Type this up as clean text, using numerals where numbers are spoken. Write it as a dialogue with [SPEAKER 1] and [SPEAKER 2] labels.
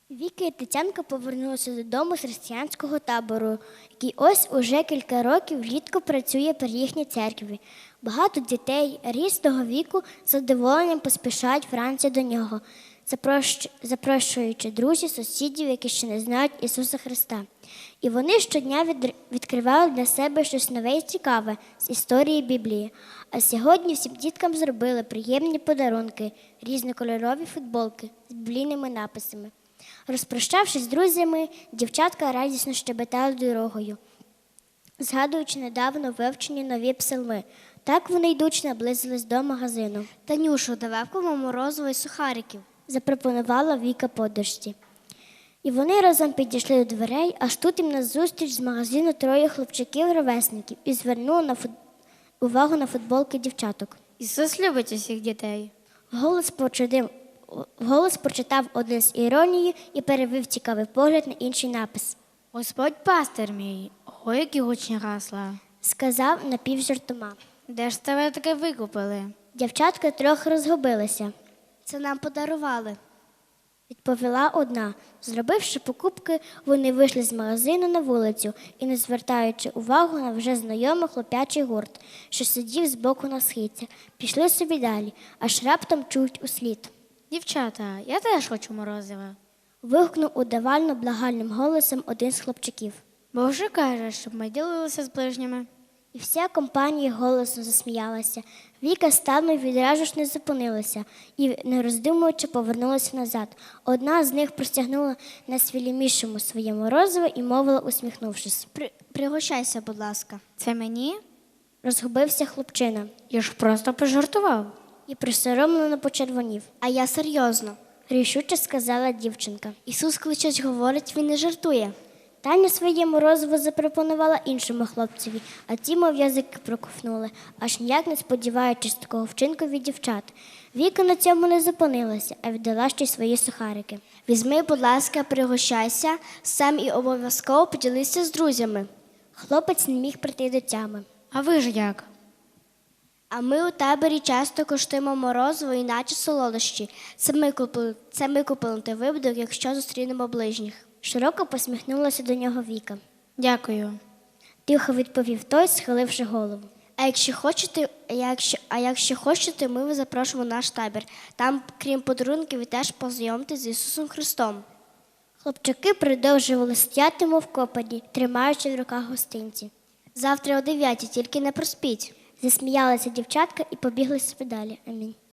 [SPEAKER 1] Віка і Тетянка повернулися додому з християнського табору, який ось уже кілька років влітку працює при їхній церкві. Багато дітей різного віку з задоволенням поспішають вранці до нього, запрошуючи друзів, сусідів, які ще не знають Ісуса Христа. І вони щодня відкривали для себе щось нове і цікаве з історії Біблії. А сьогодні всім діткам зробили приємні подарунки, різнокольорові футболки з біблійними написами. Розпрощавшись з друзями, дівчатка радісно щебетали дорогою, згадуючи недавно вивчені нові псалми. Так вони йдучи наблизились до магазину.
[SPEAKER 2] Танюшу, давай купимо морозиво і сухариків.
[SPEAKER 1] Запропонувала Віка подружці. І вони разом підійшли до дверей, аж тут їм назустріч з магазину троє хлопчаків-ровесників і звернули увагу на футболки дівчаток.
[SPEAKER 2] Ісус любить усіх дітей.
[SPEAKER 1] Вголос прочитав один з іронією і перевів цікавий погляд на інший напис.
[SPEAKER 2] Господь пастир мій, ой, які гучні гасла.
[SPEAKER 1] Сказав напівжартома.
[SPEAKER 2] Де ж тебе таке викупили?
[SPEAKER 1] Дівчатка трохи розгубилися.
[SPEAKER 2] Це нам подарували.
[SPEAKER 1] Відповіла одна. Зробивши покупки, вони вийшли з магазину на вулицю і, не звертаючи увагу на вже знайомий хлоп'ячий гурт, що сидів збоку на східцях, пішли собі далі, аж раптом чують услід.
[SPEAKER 2] Дівчата, я теж хочу морозива.
[SPEAKER 1] Вигукнув удавально благальним голосом один з хлопчаків.
[SPEAKER 2] Бо вже каже, щоб ми ділилися з ближніми.
[SPEAKER 1] І вся компанія голосно засміялася. Віка стану й відразу ж не зупинилася і, не роздумуючи, повернулася назад. Одна з них простягнула найсвілімішому своє морозиво і мовила, усміхнувшись.
[SPEAKER 2] Пригощайся, будь ласка. Це мені?
[SPEAKER 1] Розгубився хлопчина
[SPEAKER 2] Я ж просто пожартував.
[SPEAKER 1] і присоромлено почервонів.
[SPEAKER 2] А я серйозно.
[SPEAKER 1] Рішуче сказала дівчинка.
[SPEAKER 2] Ісус кличуть, говорить, він не жартує.
[SPEAKER 1] Таня своє морозиво запропонувала іншому хлопцеві, а ті, мов язики проковтнули, аж ніяк не сподіваючись такого вчинку від дівчат. Віка на цьому не зупинилася, а віддала ще й свої сухарики.
[SPEAKER 2] Візьми, будь ласка, пригощайся, сам і обов'язково поділися з друзями.
[SPEAKER 1] Хлопець не міг прийти до тями.
[SPEAKER 2] А ви ж як? А ми у таборі часто коштуємо морозиво і наче солодощі. Це ми купили на той випадок, якщо зустрінемо ближніх.
[SPEAKER 1] Широко посміхнулася до нього Віка.
[SPEAKER 2] Дякую.
[SPEAKER 1] Тихо відповів той, схиливши голову.
[SPEAKER 2] А якщо хочете, ми вас запрошуємо в наш табір. Там, крім подарунків, ви теж познайомитесь з Ісусом Христом.
[SPEAKER 1] Хлопчаки продовжували стояти, мов копані, тримаючи в руках гостинці.
[SPEAKER 2] Завтра о 9:00, тільки не проспіть.
[SPEAKER 1] Засміялася дівчатка і побігли собі далі. Амінь.